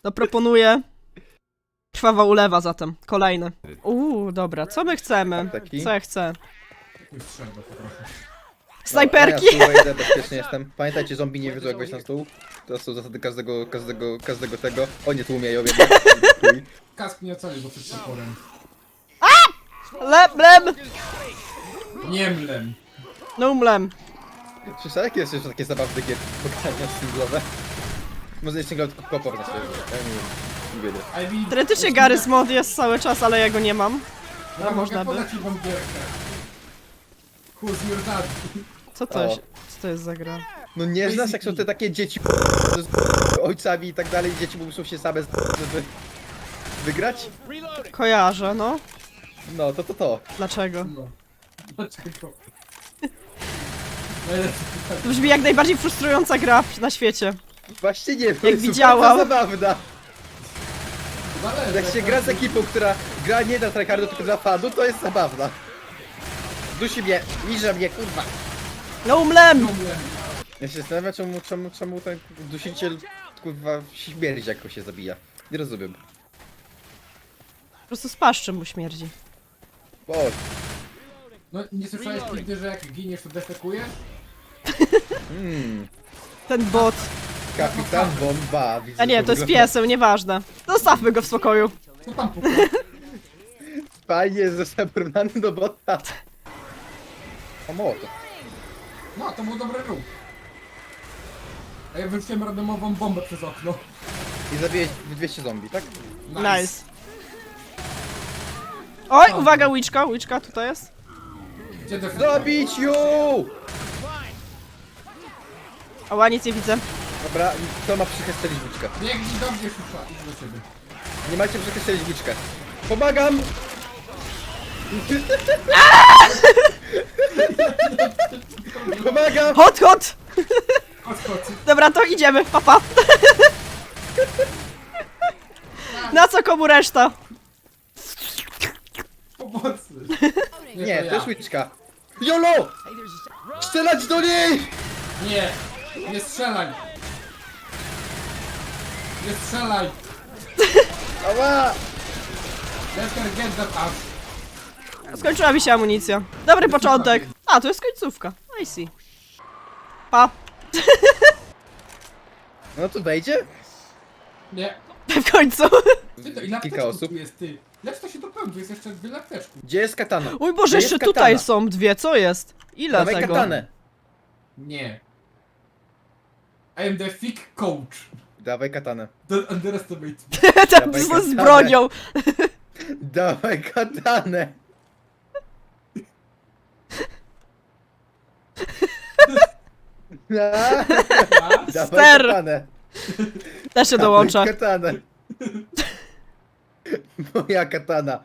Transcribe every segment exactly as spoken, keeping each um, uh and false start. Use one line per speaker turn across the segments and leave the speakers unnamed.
To proponuję... Krwawa ulewa zatem. Kolejny. Uuu, dobra. Co my chcemy?
Taki?
Co ja chcę?
Już strzelba poproszę.
Snajperki!
No, ja tu wejdę, bezpiecznie jestem. Pamiętajcie, zombie nie wiedzą jak wejść na stół. To są zasady każdego, każdego, każdego tego. O nie, tłumieją jednak. Chuj.
Kask nie ocalił go przed toporem.
Lem, lem!
Nie mlem.
No mlem.
Czy jakie jest jeszcze takie zabawne gier pokazania singlowe? Może nie singlowe, tylko kopor na sobie. Ja nie wiem. Nie wiem.
I mean,
Teoretycznie Garry's Mod jest cały czas, ale ja go nie mam.
Ja
można
mogę
by.
podać ci wam gierkę. Who's your daddy?
Co to
O.
jest? Co to jest za gra?
No nie znasz jak są te takie dzieci z ojcami i tak dalej, dzieci muszą się same z- żeby wygrać?
Kojarzę, no.
No to to to.
Dlaczego?
No. Dlaczego? Najlepszy pytanie.
To brzmi jak najbardziej frustrująca gra na świecie.
Właśnie nie, bo
Jak
jest
widziałam.
super zabawna.
Zależy,
Jak się gra z ekipą, która gra nie dla tryhardu, tylko dla fanu, to jest zabawna. Dusi mnie, liże mnie, kurwa.
No mlem!
No mlem.
Ja się zastanawiam, czemu, czemu, czemu ten dusiciel, kurwa, śmierdzi, jak go się zabija. Nie rozumiem.
Po prostu z paszczem mu śmierdzi.
O,
No nie słyszałeś nigdy, że jak giniesz to defekujesz?
hmm,
Ten bot.
kapitan bomba. Widzę,
A nie,
że
to jest
wygląda-
pieseł, nieważne. Zostawmy go w spokoju.
Co tam puka?
Fajnie, został porównany do bota. O, mołotow.
No, to był dobry ruch. A ja wyrzuciłem randomową bombę przez okno.
I zabiłeś dwieście zombie, tak?
Nice. Oj, uwaga, łyczka, łyczka tutaj jest.
Gdzie defekujesz?
Zabić ją!
Ała, nic nie widzę.
Dobra, kto ma psychę strzelić włóczkę?
Biegnij do mnie, szusza, idź do ciebie.
Nie macie psychę strzelić włóczkę. Pomagam! Pomagam!
Hot, hot!
Chodź, chodź.
Dobra, to idziemy, papa. Na co komu reszta?
Pomocy.
Nie,
to
to jest
ja.
łyczka. Jolo! Strzelać do niej!
Nie! Nie strzelaj! Nie strzelaj!
Ała!
Let her get that ass.
Skończyła mi się amunicja. Dobry początek. A, to jest końcówka. I see. Pa.
No to wejdzie?
Nie.
W końcu.
Ty to ile
Kilka
apteczków
osób.
tu jest, ty? Jak to się dopełni? Tu jest jeszcze wiele apteczków.
Gdzie jest katana?
Mój Boże,
Gdzie
jeszcze
jest
tutaj
katana?
są dwie, co jest? Ile
Dawaj
tego?
katanę.
Nie. I am the thick coach.
Dawaj katanę.
Don't underestimate me.
Tam
Dawaj
z, z
katanę.
bronią.
Dawaj katanę. A, Dawaj
Ster.
katanę.
Też się
Dawaj
dołącza.
katanę. Moja katana.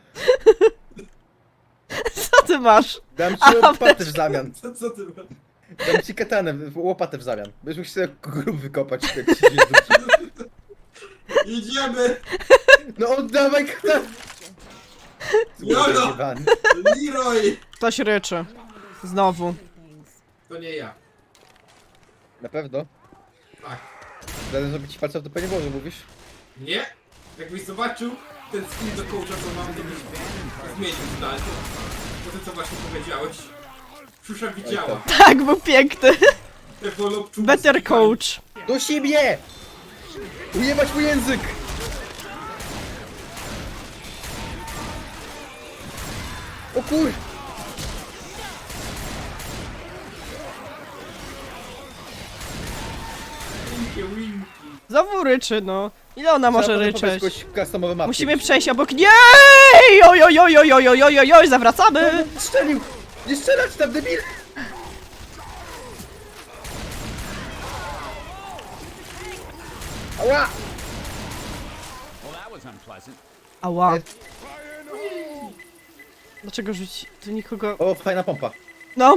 Co ty masz?
Dam ci
A,
łopatę w zamian.
Co, co ty masz?
Dam ci katanę, w- łopatę w zamian. Będziesz mógł sobie grób wykopać. Jak ci się rzuci.
Idziemy!
No oddawaj katanę.
Jolo!
Zjebany.
Leroy!
Ktoś ryczy. Znowu.
To nie ja.
Na pewno.
Tak.
Zaraz zrobić ci palca w dupę nie było, że mówisz?
Nie? Jakbyś zobaczył ten skin do coacha, co mam, to byś zmienił zdanie. Po tym, co właśnie powiedziałeś. Szusza widziała.
Tak, był piękny.
Te wolobczuły
Better
skakali.
coach.
Do siebie! Ujebać mój język! O kur...
Winkie, winki.
Znowu ryczy, no. Ile ona może
Trzeba
ryczeć?
jakoś customowe mapki.
Musimy przejść obok... Nie! Oj, oj, oj, oj, oj, oj, oj, oj, oj, zawracamy!
Strzelił! Nie strzelać tam, debil! Ała!
Ała. Dlaczego rzuci? Tu nikogo...
O, fajna pompa.
No.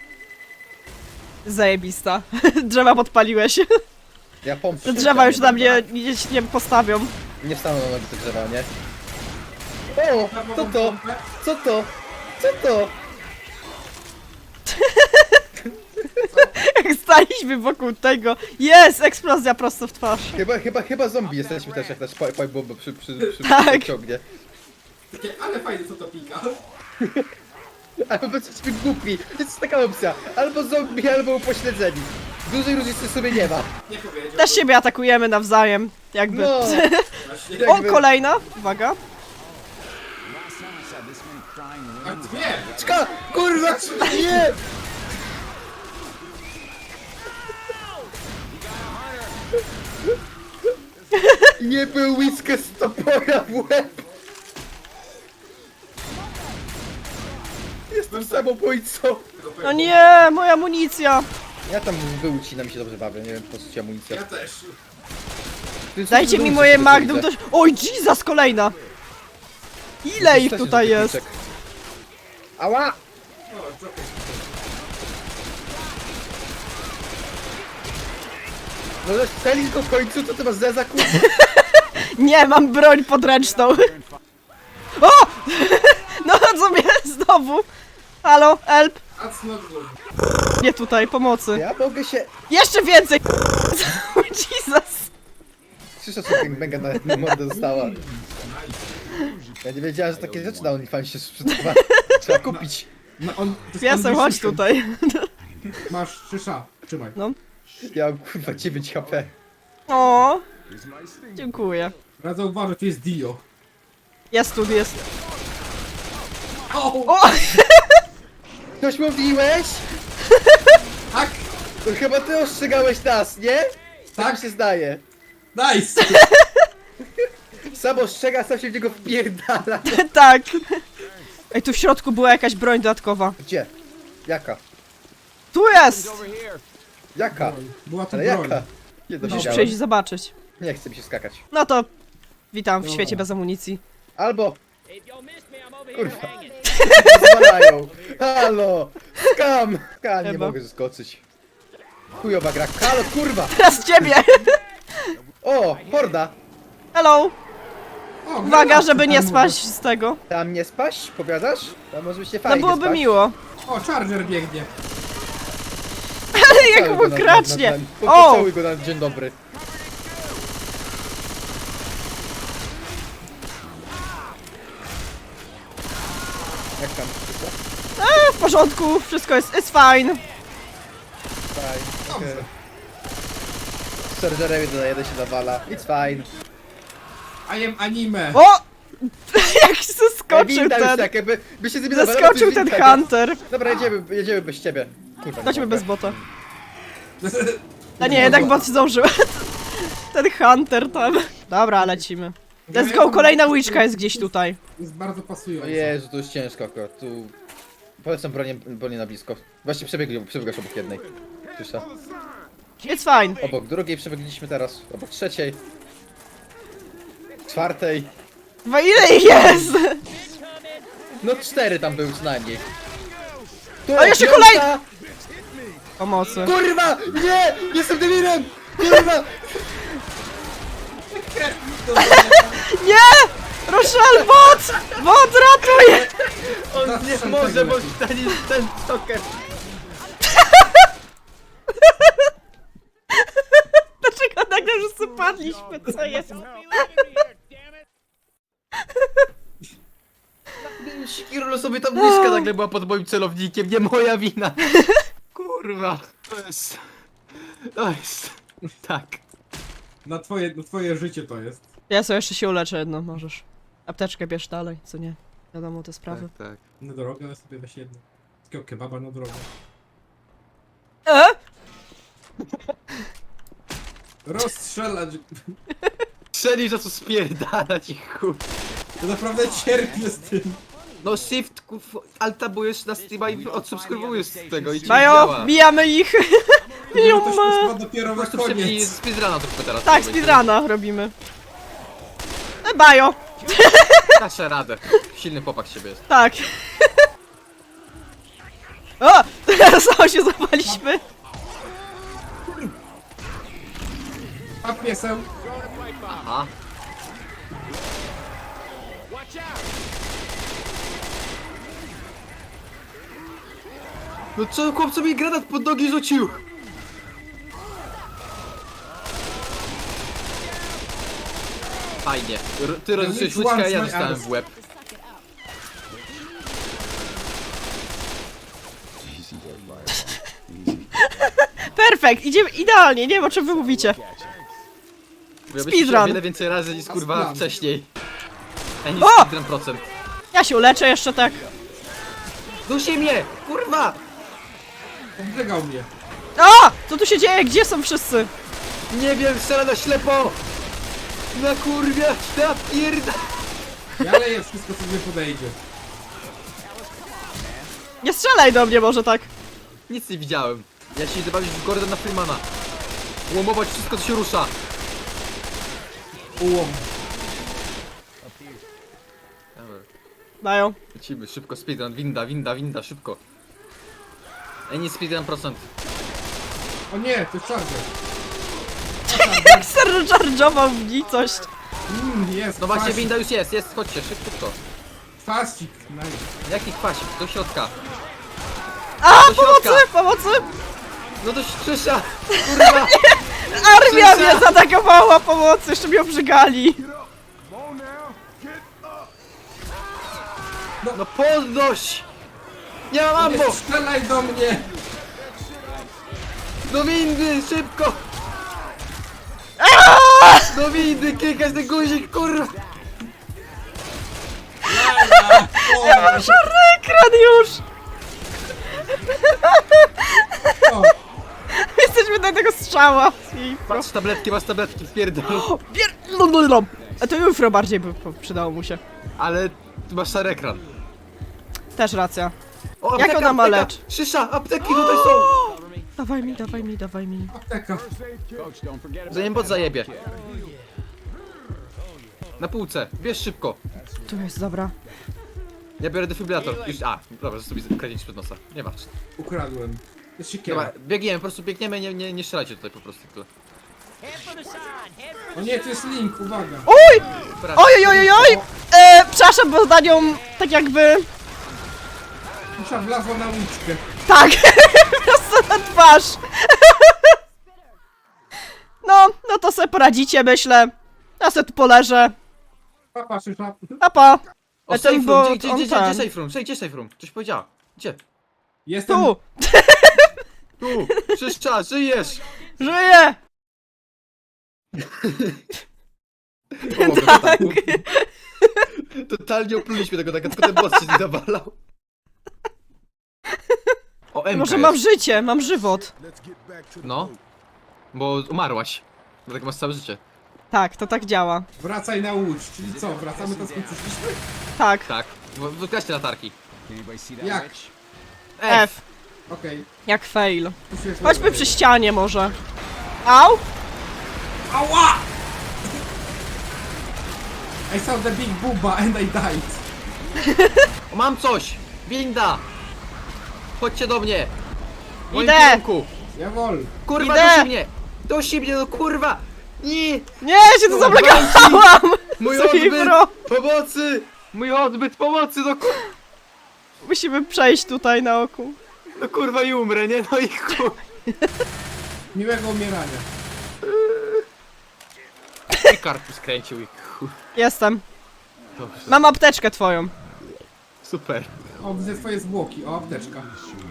Zajebista. Drzewa podpaliłeś.
Ja pompę.
Te drzewa już na mnie nie, nie postawią.
Nie wstaną na nogi te drzewa, nie? O! Co to? Co to? Co to?
Jak staliśmy wokół tego. Jest! Eksplozja prosto w twarz.
Chyba, chyba, chyba zombie jesteśmy też, jak nasz pipe bomba przy, przy, przy,
Tak.
ciągnie.
Takie, ale fajnie co to pika.
Albo jesteśmy głupi. To jest taka opcja. Albo zombie, albo upośledzeni. Dużej różnicy sobie nie ma.
Nie powiedział.
Też siebie atakujemy nawzajem. Jakby.
No.
Właśnie.
O,
jakby-
kolejna! Uwaga.
A dwie!
Czka! Kurwa! Nie! Nie był whisky z topora w łeb! Jestem samobójcą!
No nie, moja amunicja.
Ja tam wyucinam i się dobrze bawię, nie wiem po co ci amunicja.
Ja też.
Dajcie mi moje Magnum też. Oj, Jesus, kolejna. Ile ich tutaj jest?
Ała!
O, Joker.
Możesz strzelić go w końcu, to ty masz zeza kurwa.
Nie, mam broń podręczną. O! No co mnie znowu? Halo, help.
That's not good.
Nie tutaj, pomocy.
Ja mogę się...
Jeszcze więcej. Jesus.
Słyszę, co Banga na mordę została. Ja nie wiedziałem, że takie rzeczy na OnlyFans się sprzedawa. Trzeba kupić.
No on... to jest
Piesem, chodź
Unleashed.
tutaj.
Masz szysza. Trzymaj.
No.
Ja mam kurwa dziewięć H P.
O, dziękuję.
Radzę zauważyć, tu jest Dio.
Jest tu, jest.
O!
O!
Coś mówiłeś?
Tak!
To chyba ty ostrzegałeś nas, nie? Tak
Tak.
mi się zdaje.
Nice!
Sam ostrzega, sam się w niego wpierdala.
Tak. Ej, tu w środku była jakaś broń dodatkowa.
Gdzie? Jaka?
Tu jest!
Jaka?
Była tu
Ale
broń.
jaka? Nie
Musisz
dowiedziałem.
przyjść i zobaczyć.
Nie chce mi się skakać.
No to witam w
Dobra.
świecie bez amunicji.
Albo... Kurwa. Pozwalają. Halo! Skam! Skam, nie
Chyba.
mogę zeskoczyć. Chujowa gra. Halo, kurwa!
Teraz ciebie!
O, horda!
O,
Hello! Uwaga,
granat
żeby nie
tam
spaść z tego.
Tam nie spaść, powiadasz? Tam może być nie
No
fajnie
byłoby
spać.
miło.
O, Charger biegnie.
Ale jak
Pocałuj go
mu
na-
kracznie!
na- na- po-
O!
Pocałuj go na dzień dobry. Jak tam? Wszystko?
E, w porządku, wszystko jest, it's fine.
Fine.
Dobrze.
Okay. Z Chargerem dodaje, jeden się nawala. It's fine.
I am anime.
O! Jak się zeskoczył
Winda już
ten...
tak, jakby by się z nimi nawalał, to
Zeskoczył
jest
ten
winda.
Hunter.
Dobra, jedziemy, jedziemy bez ciebie. Kurwa, nie
Chodźmy
mogę.
bez bota. A nie, jednak bot zdążył. Ten Hunter tam. Dobra, lecimy. Let's go, kolejna łyczka jest gdzieś tutaj.
Jest bardzo
O
pasująca.
Jezu, to jest ciężko akurat, tu... Polecam bronię, bronię na blisko. Właśnie przebiegli, przebiegasz obok jednej. Słysza.
It's fine.
Obok drugiej przebiegliśmy teraz, obok trzeciej. Czwartej.
Wa ile ich jest?
No cztery tam były co najmniej. Tu,
O, jeszcze
piąta!
kolej- Pomocy.
Kurwa! Nie! Jestem debilem! Kurwa!
Nie! Rochelle, bot! Bot, ratuj!
On nie może, bo stanie ten stoker.
Dlaczego nagle wszyscy padliśmy? Co jest?
Sikiro sobie tam bliska nagle była pod moim celownikiem, nie moja wina. Kurwa. To jest... To jest... Tak.
Na twoje, na twoje życie to jest.
Ja sobie jeszcze się uleczę jedno, możesz. Apteczkę bierz dalej, co nie? Wiadomo te sprawy.
tak.
Na drogę sobie weź jedno. Takiego kebaba na drogę.
E?
Rozstrzelać.
Strzeli, za co spierdalać i chuj.
To naprawdę cierpię z tym.
No shift, kuf, altabujesz na Steama i odsubskrybujesz z tego i ci
Majo,
działa.
bijamy ich!
To się
Jum.
chyba dopiero
Po
na
prostu przebij
koniec.
speedruna trochę teraz.
Tak, speedruna robimy. E, bajo!
Daszę radę. Silny chłopak z siebie jest.
Tak. O! Teraz się zapaliśmy.
A pieseł.
Aha. No co, chłopcu mi granat pod nogi rzucił? Fajnie. R ty rozrzuciłeś
which
łyczkę, a
one's
ja
my
dostałem
ass?
w łeb.
Perfekt, idziemy idealnie, nie wiem o czym wy mówicie.
Ja
Speedrun.
o wiele więcej razy niż kurwa
Speedrun.
wcześniej. A nie
O!
speedrun procent.
Ja się uleczę jeszcze tak.
Dusi mnie! Kurwa!
Oblegał mnie.
A! Co tu się dzieje? Gdzie są wszyscy?
Nie wiem, strzela na ślepo! Na kurwia, na pierda!
Ja leję wszystko, co mnie podejdzie.
Nie strzelaj do mnie może tak.
Nic nie widziałem. Ja się idę bawić w Gordona Freemana. Łomować wszystko, co się rusza.
Ułom.
Dobra,
Dają.
lecimy, szybko, speedrun, winda, winda, winda, szybko. Ej, nie speedrun procent.
O nie, to jest charger.
Jak serżarżował w nicość.
Mmm, jest.
No właśnie,
kwasik.
winda już jest, jest, chodźcie, szybko.
Kwasik. Nice.
Jaki kwasik? Do środka.
A!
Do środka.
Pomocy! Pomocy!
No do Krzysza! Kurwa!
Armia
Krzysia!
mnie zaatakowała! Pomocy! Jeszcze mnie obrzygali!
No podnoś! Nie mam
Nie
ammo!
strzelaj do mnie!
Do windy, szybko! Do windy, klikać ten guzik, kurwa!
Laja! O,
Szarny ekran już!
o.
Jesteśmy do tego strzała! I pro-
Masz tabletki, masz tabletki, pierdol.
Pier... Lulululum. A to jutro bardziej by po- przydało mu się.
Ale ty masz szary ekran.
Też racja.
O,
Jak ona ma
apteka!
lecz?
Szysza, apteki tutaj są!
Dawaj mi, dawaj mi, dawaj mi.
Apteka.
Zanim bot zajebie. Na półce, bierz szybko.
Tu jest, dobra.
Ja biorę defibrylator. Już, a, dobra, został mi kręcić przed nosa. Nie ważne.
Ukradłem. To jest siekiera.
Dobra, biegniemy, po prostu biegniemy, nie, nie, nie strzelajcie tutaj po prostu. Tu.
O nie, to jest link, uwaga.
Uj!
Dobra.
Oj, oj, oj, oj! E, przepraszam, bo za nią tak jakby...
Musza wlazła na łyczkę.
Tak! Prosto na twarz! No, no to sobie poradzicie, myślę. Ja sobie tu poleżę.
Papa, szysza.
A pa!
O,
E,
safe
ten
room,
bot,
gdzie, gdzie,
on
gdzie, gdzie
ten.
safe room? Gdzie, gdzie safe room? Coś powiedziała. Gdzie?
Jestem...
Tu!
Tu, Szysza, żyjesz!
Żyję!
Pomogę,
Tak.
tak. Totalnie opluliśmy tego, tak, tylko ten boss się nie zawalał. O, M K
Może
jest.
mam życie, mam żywot.
No. Bo umarłaś. Dlatego masz całe życie.
Tak, to tak działa.
Wracaj na łódź. Czyli co, wracamy tam skąd przyszliśmy?
Tak.
Tak. Bo- Wykraście latarki.
Jak?
F.
Okej.
Jak fail.
Okay.
Chodźmy przy ścianie może. Au!
Ała! I saw the big booba and I died.
O, mam coś! Winda! Chodźcie do mnie! W moim
Idę!
kierunku.
Jawol.
Kurwa,
Idę!
dusi mnie! Dusi mnie, no kurwa! Nie!
Nie, ja się tu zablokowałam!
Mój
Sorry,
odbyt!
bro.
Pomocy! Mój odbyt pomocy, no kurwa!
Musimy przejść tutaj na oku.
No kurwa i umrę, nie? No i chuj!
Miłego umierania.
I karpus skręcił i chuj.
Jestem.
Dobrze,
Mam apteczkę twoją.
super.
O, widzę twoje zwłoki. O, apteczka.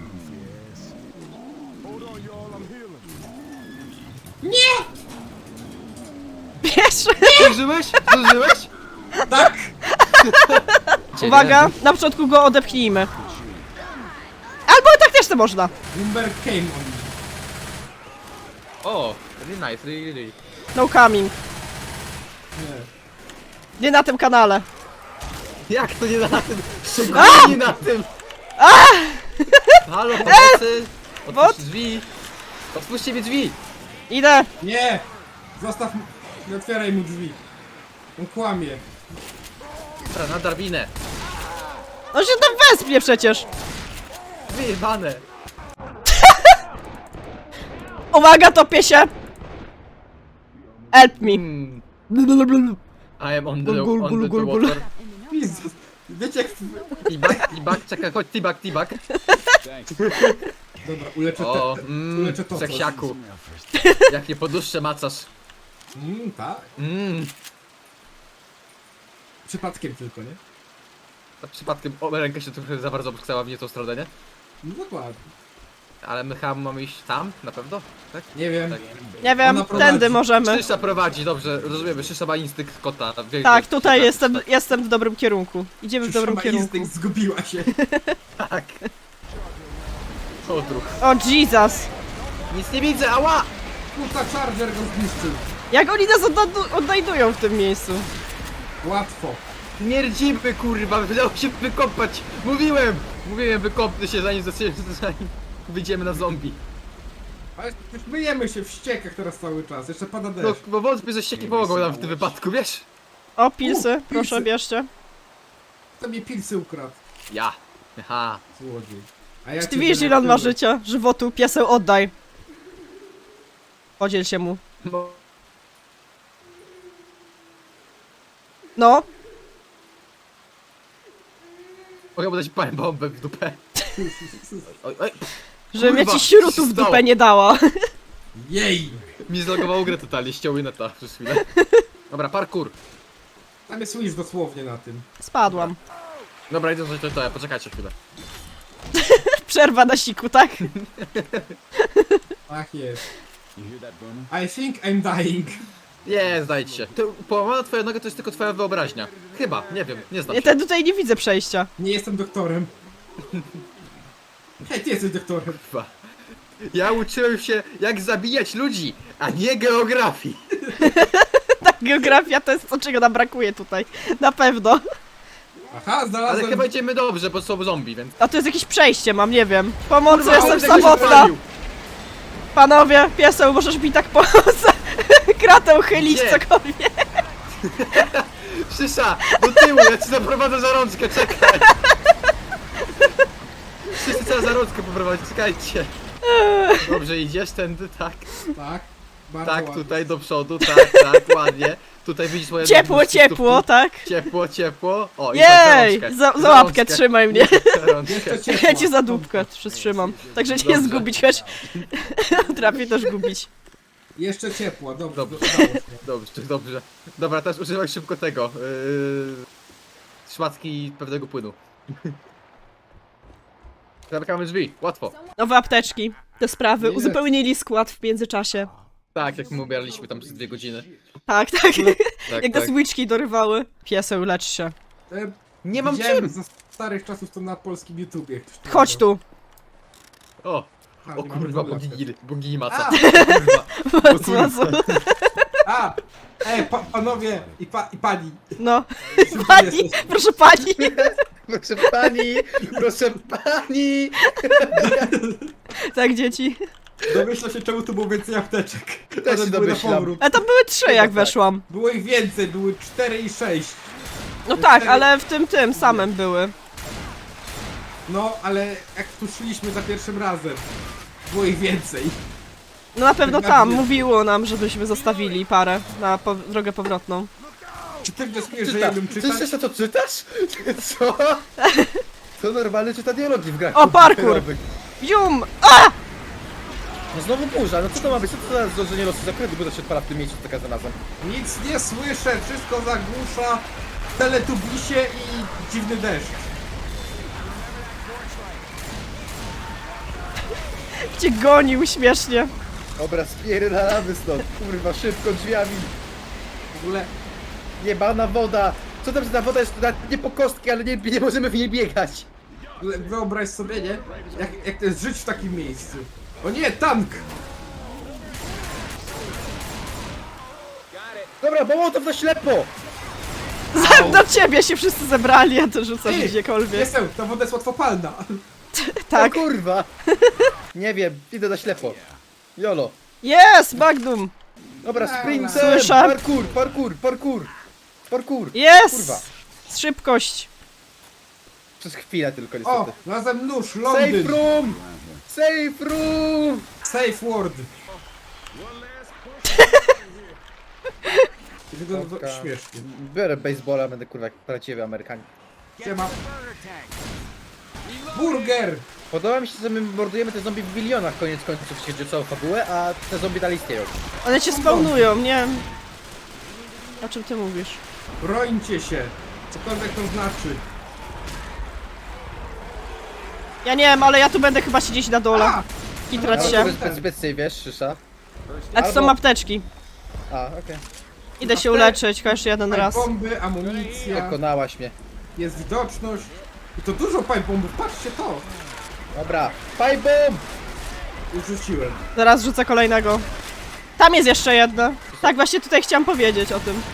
Pierwszy.
Zdążyłeś? Zdążyłeś?
Tak!
Uwaga, na początku go odepchnijmy. Albo tak też to można.
Bloomberg came on me.
O, really nice, really, really.
No coming.
Nie.
Nie na tym kanale.
Jak to nie na tym? Szczególnie nie na tym! Halo, pomocy!
What?
Otwórz drzwi! Otwórzcie mi drzwi!
Idę.
Nie! Zostaw... m- Nie otwieraj mu drzwi. On kłamie.
Dobra, na drabinę!
On się tam wespnie przecież.
Wyjebane!
Uwaga, topię się. Help me.
Hmm, I am on the,
Gul, gul,
on
gul,
the,
gul,
the
gul.
water.
Jezus. Wiecie jak...
Tibak, tibak, czekaj, chodź, tibak, tibak.
Dobra, uleczę
O,
te, te,
mmm,
uleczę to coś.
seksiaku. Jak nie poduszczę macasz.
Mm, tak.
Mmm.
Przypadkiem tylko, nie?
Przypadkiem o, ręka się trochę za bardzo obskała w nie tą stronę, nie?
No dokładnie.
Ale my chyba mamy iść tam, na pewno? Tak?
Nie wiem.
Tak.
Nie wiem,
Ona prowadzi.
tędy możemy.
Szysza prowadzi, dobrze, rozumiemy, Szysza ma instynkt kota. Wie,
Tak,
wie-
tutaj
tak,
jestem,
tak,
jestem w dobrym kierunku. Idziemy w dobrym
Szama
kierunku.
instynkt zgubiła się.
Tak. Odruch.
O Jesus!
Nic nie widzę, ała!
Kurta Charger go zniszczył.
Jak oni nas odnajdu- odnajdują w tym miejscu?
Łatwo.
Śmierdzimy, kurwa, wydało się wykopać! Mówiłem! Mówiłem, wykopnę się zanim, zanim, zanim wyjdziemy na zombie.
Ale już myjemy się w ściekach teraz cały czas. Jeszcze pada
No,
deszcz.
bo wątpię, że ścieki pomogą nam w tym wypadku, wiesz?
O, pilsy,
U,
proszę
pilsy.
bierzcie.
To mi pilsy ukradł.
Ja. Aha.
Złodziej. A ja
Czy ty
cię
wiesz, ile on ma
denerwuję.
życia? Żywotu, pieseł, oddaj. Podziel się mu.
Mo-
No,
Mogę mu dać parę bombę w dupę. Oj, oj.
żebym ja
Kurwa,
ci śrutów
co się
w
stało?
dupę nie dała.
Jej!
Mi zlogowało grę totalnie, ściął neta przez chwilę. Dobra, parkour.
Tam jest Wish dosłownie na tym.
Spadłam.
Dobra, idę coś to, to, ja poczekajcie chwilę.
Przerwa na siku, tak?
Tak jest. I think I'm dying.
Nie, znajdź się. Ty, połamana twoja noga to jest tylko twoja wyobraźnia. Chyba, nie wiem, nie znam
Ja
się.
ten tutaj nie widzę przejścia.
Nie jestem doktorem. Hej, ty jesteś doktorem.
Chyba. Ja uczyłem się, jak zabijać ludzi, a nie geografii.
Tak, geografia to jest to, czego nam brakuje tutaj. Na pewno.
Aha,
Ale
znalazłem...
chyba idziemy dobrze, bo są zombie, więc...
A tu jest jakieś przejście, mam, nie wiem. Pomocy,
Kurwa,
jestem
on tego się
samotna.
palił.
Panowie, pieseł, możesz mi tak pomóc? Kratę chylić,
Nie.
cokolwiek.
Szysza, do tyłu, ja ci zaprowadzę za rączkę, czekaj. Szysza trzeba za rączkę poprowadzić, czekajcie. Dobrze, idziesz tędy, tak.
Tak. Bardzo
Tak,
ładnie.
tutaj do przodu, tak, tak, ładnie. Tutaj widzisz swoje...
Ciepło,
nóżki,
ciepło,
stópki.
tak?
Ciepło, ciepło. O, i tak za
Jej!
rączkę.
Za, za łapkę
rączkę.
trzymaj mnie.
Za rączkę.
Jeszcze ciepło.
Ja cię za dupkę przytrzymam. Także cię nie
Dobrze.
zgubić, choć trafię też gubić.
Jeszcze ciepła, dobrze.
Dobrze.
Udało się.
Dobrze, dobrze. Dobra, teraz używaj szybko tego. Yy... Szmatki pewnego płynu. Zamykamy drzwi, łatwo.
Nowe apteczki. Te sprawy.
Jest.
Uzupełnili skład w międzyczasie.
Tak, jak my ubieraliśmy tam przez dwie godziny.
Tak, tak.
Tak,
Jak
tak.
nas łyczki dorywały. Pieseł, lecz się.
E,
Nie mam
widziałem
czym!
Za starych czasów to na polskim YouTubie. ktoś to
Chodź
nagrał.
O,
A,
o
nie mamy
kurwa,
tabletkę.
bogini, bogini maca.
A!
Kurwa. O kurwa.
Zmazu.
A! Ej, pa, panowie i, pa, i pani.
No.
Czym to
Pani,
jesteś?
proszę pani.
Proszę pani, proszę pani!
Tak, dzieci.
Domyśla się, czemu tu było więcej apteczek.
Też
One
się
były na
domyślam.
powrót.
A tam były trzy, jak
tak.
weszłam.
Było ich więcej, były cztery i sześć.
No tak, ale w tym, tym samym były.
No, ale jak tu szliśmy za pierwszym razem, było ich więcej.
No na pewno
Tak
tam.
nie.
Mówiło nam, żebyśmy zostawili parę na po drogę powrotną.
Czy ty wnioskujesz, że
Czyta.
ja bym
Ty
czytać?
jeszcze to czytasz? Co? To normalny czyta dialogi w grach.
O, parkour!
komputerowych.
Jum! A!
No znowu burza, no co to ma być? Co to za zdążenie losu zakrętu, bo to się odpala w tym miejscu za każdym razem.
Nic nie słyszę, wszystko zagłusza teletubisie i dziwny deszcz.
Cię gonił śmiesznie.
Dobra, spierdalamy stąd, kurwa, szybko drzwiami.
W ogóle
Jebana woda! Co tam, że ta woda jest na- nie po kostki, ale nie, nie możemy w niej biegać.
w ogóle wyobraź sobie, nie? Jak, jak to jest żyć w takim miejscu. O nie, tank!
Dobra, bo mołotow na ślepo!
Au.
Do ciebie się wszyscy zebrali, a ty rzucasz
Ty,
gdziekolwiek.
Jestem, ta woda jest łatwopalna.
Tak.
O kurwa! Nie wiem, idę na ślepo. Jolo.
Jest, Magnum!
Dobra, sprintem!
Słyszę.
Parkour, parkour, parkour! Parkour!
Jest!
Kurwa.
Szybkość.
Przez chwilę tylko
O,
niestety.
razem nóż,
Safe
Londyn!
room! Safe room!
Safe word! Wygląda to
Taka-
śmiesznie.
Biorę baseballa, będę kurwa jak prawdziwy Amerykanin.
Siema. Burger!
Podoba mi się, że my mordujemy te zombie w bilionach koniec końców, jeśli chodzi o całą fabułę, a te zombie dalej istnieją.
One cię spawnują, nie wiem. O czym ty mówisz?
Brońcie się! Cokolwiek to znaczy.
Ja nie wiem, ale ja tu będę chyba siedzieć na dole.
A!
I trać
Ale
się.
Bez, bez, bez tej, wiesz, szysza.
A to są
albo-
apteczki.
A, okej.
Idę się uleczyć, chociaż jeden raz.
Bomby, amunicja,
Pokonałaś mnie.
jest widoczność. I to dużo pipe bombów, patrzcie to!
Dobra, pipe bomb!
Już rzuciłem.
Zaraz rzucę kolejnego. Tam jest jeszcze jedna. Tak, właśnie tutaj chciałam powiedzieć o tym.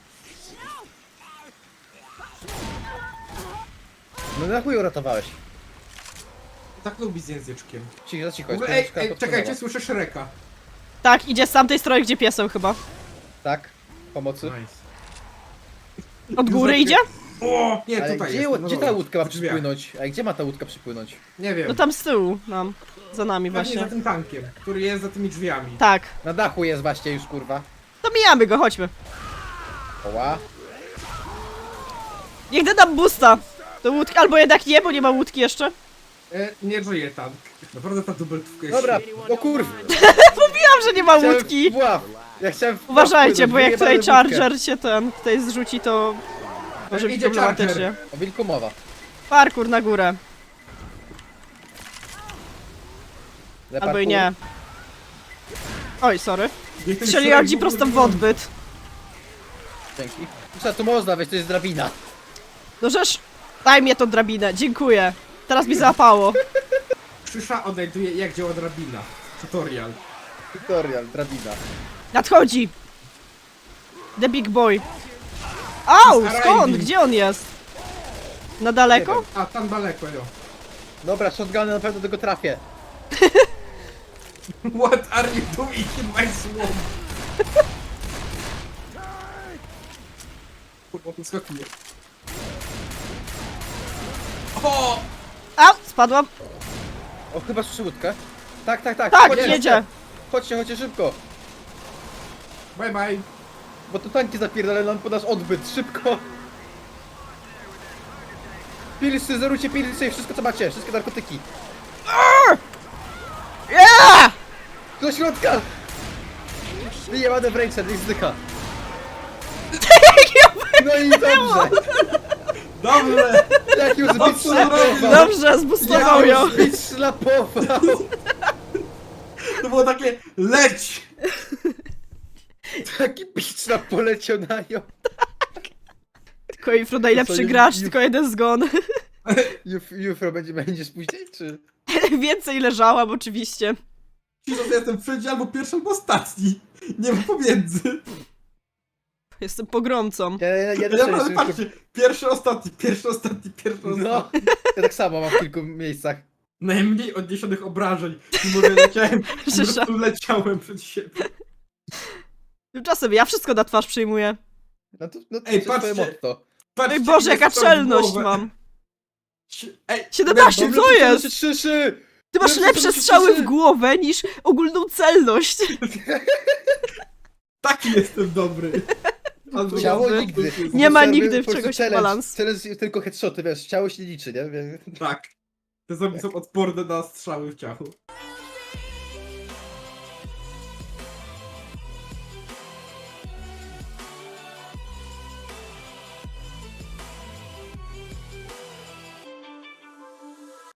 No na chuj uratowałeś.
Tak lubi z języczkiem.
Cicho, za cicho,
W
jest
ogóle, ej,
książka
ej,
podpłynęła.
czekajcie, słyszę Shreka.
Tak, idzie z tamtej strony, gdzie piesem chyba.
Tak? Pomocy?
Nice.
Od góry idzie?
O! Nie,
Ale
tutaj
gdzie,
jest. no
gdzie ta
dobra,
łódka ma
w drzwiach.
przypłynąć? A gdzie ma ta łódka przypłynąć?
Nie wiem.
No tam z tyłu nam. Za nami
Właśnie za
właśnie.
tym tankiem, który jest za tymi drzwiami.
Tak.
Na dachu jest właśnie już, kurwa.
To mijamy go, chodźmy.
Oła.
Niech da nam boosta. Do łódki, albo jednak nie, bo nie ma łódki jeszcze.
E, nie żyje tank. Naprawdę ta dubeltówka jest
Dobra,
świetna.
o kurwa.
Mówiłam, że nie ma
Chciałem
łódki.
w pław. Ja chciałem w pław
Uważajcie,
płynąć,
bo jak tutaj
wyjebałem łódkę.
Charger się ten tutaj zrzuci, to może być
Idzie
problematycznie.
Charger.
O wilku mowa.
Parkour na górę.
Le
Albo i
parkour.
nie. Oj, sorry.
Niech ten
Strzeliłam
Shrek
ci
w
prosto w
ogóle
odbyt.
Dzięki. Co tu można wejść, to jest drabina.
No żeż, daj mnie tą drabinę, dziękuję. Teraz mi załapało.
Krzysza odnajduje jak działa drabina. Tutorial.
Tutorial, drabina.
Nadchodzi. The big boy. Au,
He's
skąd?
arriving.
Gdzie on jest? Na daleko?
A, tam daleko, jo.
Dobra, shotguny na pewno tego trafię.
What are you doing in my swamp? Kurwa, tu skakuje. O!
Au, spadłam.
O, chyba słyszę łódkę. Tak, tak, tak.
Tak,
Chodźcie,
jedzie.
Chodźcie, chodźcie szybko.
Bye bye.
Bo to tanki zapierdalają nam po nasz odbyt. Szybko. Pilsy, zerujcie pilsy, wszystko co macie, wszystkie narkotyki.
Yeah!
Do środka! Wyjebane w ręce, niech zdycha. No i dobrze.
Dobrze!
Jak już zbyt
Dobrze,
szlapował.
Dobrze, zbustował ją.
Zbyt szlapował.
To było takie leć!
Taki bicz nam poleciał na nią.
Tylko Ifro najlepszy
To co,
gracz,
ju-
tylko jeden zgon.
Juf, Jufro będzie, będziesz później, czy?
Więcej leżałam oczywiście.
Ci, że jestem wszędzie albo pierwszy, albo ostatni. Nie ma pomiędzy.
Jestem pogromcą.
Ja, ja, ja,
Ja
też
naprawdę
jestem
patrzcie, pierwszy, ostatni, pierwszy, ostatni, pierwszy,
tylko- No,
ostatni.
ja tak samo mam w kilku miejscach.
Najmniej odniesionych obrażeń. Mimo, że leciałem, po
Szysza.
prostu leciałem przed siebie.
Tymczasem ja wszystko na twarz przyjmuję.
No to, no to
Ej,
jest twoje
patrzcie.
motto.
Patrzcie,
Oj Boże,
ile
jaka
strzał w
czelność
głowę.
mam.
Ej,
siedemnaście,
Lembo,
co jest?
Trzy,
Ty masz
Lepsze
lepsze
to niż
strzały w
trzy.
głowę niż ogólną celność.
Taki jestem dobry. Albo
Ciało
Dobry.
nigdy.
Nie ma
Wystarczy
nigdy w
po prostu
czegoś
challenge.
balans.
Challenge jest tylko headshoty, wiesz, ciało się nie liczy, nie? Wie-
Tak. Te zombie są odporne na strzały w ciachu.